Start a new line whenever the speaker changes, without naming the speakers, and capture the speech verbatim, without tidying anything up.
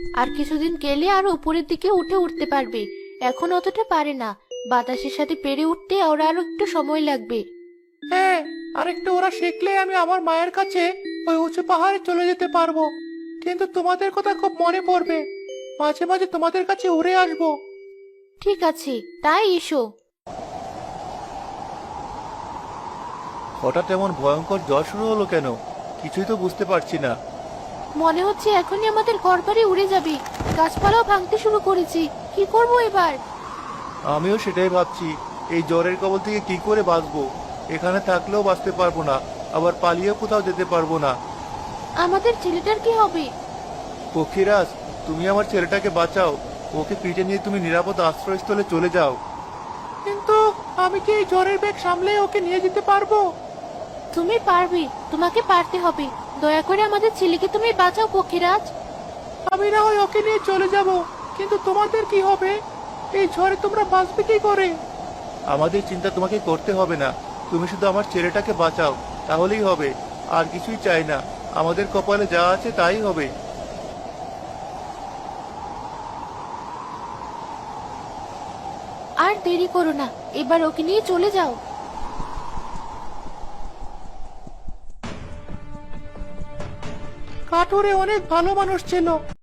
আর কিছুদিন গেলে আর উপরের দিকে উঠে উঠতে পারবে। এখন অতটা পারে না। বাতাসের সাথে পেরে উঠতে ওরা আরো একটু সময় লাগবে।
হ্যাঁ, আর একটু ওরা শিখলে আমি আমার মায়ের কাছে ওই উঁচু পাহাড়ে চলে যেতে পারবো। কিন্তু তোমাদের কথা খুব মনে পড়বে। মাঝে মাঝে তোমাদের কাছে উড়ে আসবো।
ঠিক আছে, তাই এসো।
হঠাৎ এমন ভয়ঙ্কর জ্বর শুরু হলো কেন? কিছুই তো বুঝতে পারছি না।
মনে হচ্ছে এখনই আমাদের ঘরবাড়ি উড়ে যাবে। গাছপালাও ভাঙতে শুরু করেছি। কি করব এবার?
আমিও সেটাই ভাবছি। এই জ্বরের কবল থেকে কি করে বাঁচবো? এখানে থাকলেও বাঁচতে পারবো না, আবার পালিয়েও কোথাও যেতে পারবো না।
আমাদের ছেলেটার কি হবে?
পক্ষীরাজ, তুমি আমার ছেলেটাকে বাঁচাও। ওকে পিঠে নিয়ে তুমি নিরাপদ আশ্রয়স্থলে চলে যাও। কিন্তু আমি কি এই জ্বরের ব্যাগ সামলে ওকে নিয়ে যেতে পারবো?
তুমি পারবে, তোমাকে পারতে হবে। দয়া করে আমাদের ছেলেকে তুমি বাঁচাও পক্ষীরাজ।
আমি না হয় ওকে নিয়ে চলে যাব, কিন্তু তোমাদের কি হবে? এই ঝড়ে তোমরা বাঁচবে কি করে? আমাদের চিন্তা তোমাকে করতে হবে না। তুমি শুধু আমার ছেলেটাকে বাঁচাও, তাহলেই হবে। আর কিছুই চাই না। আমাদের কপালে যা আছে তাই হবে।
আর দেরি করো না, এবার ওকে নিয়ে চলে যাও।
কাঠুরে অনেক ভালো মানুষ ছিল।